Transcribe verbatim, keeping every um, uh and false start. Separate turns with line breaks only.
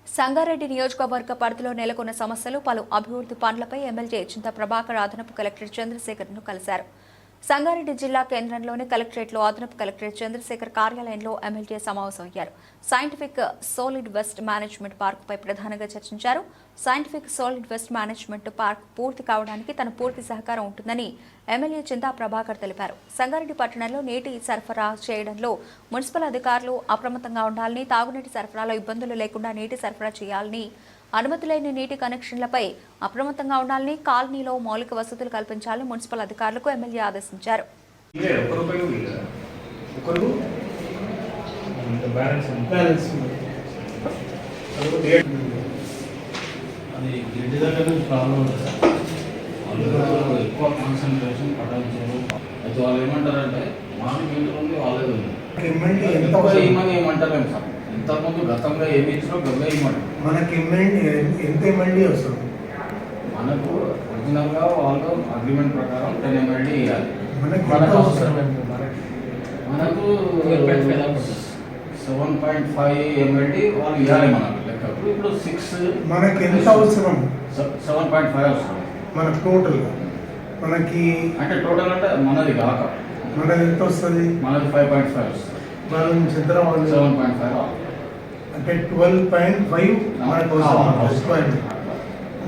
సంగారెడ్డి నియోజకవర్గ పరిధిలో నెలకొన్న సమస్యలు పలు అభివృద్ధి పనులపై ఎమ్మెల్యే చింతా ప్రభాకర్ అదనపు కలెక్టర్ చంద్రశేఖర్ను కలిశారు. సంగారెడ్డి జిల్లా కేంద్రంలోని కలెక్టరేట్లో అదనపు కలెక్టర్ చంద్రశేఖర్ కార్యాలయంలో ఎమ్మెల్యే సమావేశమయ్యారు. సైంటిఫిక్ సాలిడ్ వేస్ట్ మేనేజ్మెంట్ పార్కుపై ప్రధానంగా చర్చించారు. Scientific solid waste management park పూర్తి కావడానికి తన పూర్తి సహకారం ఉంటుందని ఎమ్మెల్యే చింతా ప్రభాకర్ తెలిపారు. సంగారెడ్డి పట్టణంలో నీటి సరఫరా చేయడంలో మున్సిపల్ అధికారులు అప్రమత్తంగా ఉండాలని, తాగునీటి సరఫరాలో ఇబ్బందులు లేకుండా నీటి సరఫరా చేయాలని, అనుమతి లేని నీటి కనెక్షన్లపై అప్రమత్తంగా ఉండాలని, కాలనీలో మౌలిక వసతులు కల్పించాలని మున్సిపల్ అధికారులకు ఎమ్మెల్యే ఆదేశించారు.
ఎక్కువ కాన్సన్ట్రేషన్ పట్టించారు. అయితే వాళ్ళు ఏమంటారంటే మాకు మీటర్ ఉంది, వాళ్ళే ఉంది ఏమంటారు సార్. ఇంతకుముందు గతంలో ఏమి ఇచ్చినా గవ్వే ఇవ్వమంటారు.
మనకి ఎంత ఎంఎల్డీ వస్తుంది?
మనకు ఒరిజినల్గా వాళ్ళు అగ్రిమెంట్ ప్రకారం టెన్ ఎంఎల్డీ ఇవ్వాలి.
మనకు అవసరం
మనకు సెవెన్ పాయింట్ ఫైవ్ ఎంఎల్డీ వాళ్ళు ఇవ్వాలి మనకు లెక్కప్పుడు. ఇప్పుడు సిక్స్
మనకి ఎంత అవసరం?
సెవెన్ పాయింట్ ఫైవ్ అవసరం
మనకు టోటల్. మనకి
అంటే టోటల్ అంటే మనది కాక
మనది ఎంత వస్తుంది?
మనది ఫైవ్ పాయింట్ ఫైవ్ వస్తుంది.
మన నుంచి ఎంత రావాలి?
సెవెన్ పాయింట్ ఫైవ్
అంటే ట్వెల్వ్ పాయింట్ ఫైవ్ మనకు అవసరం.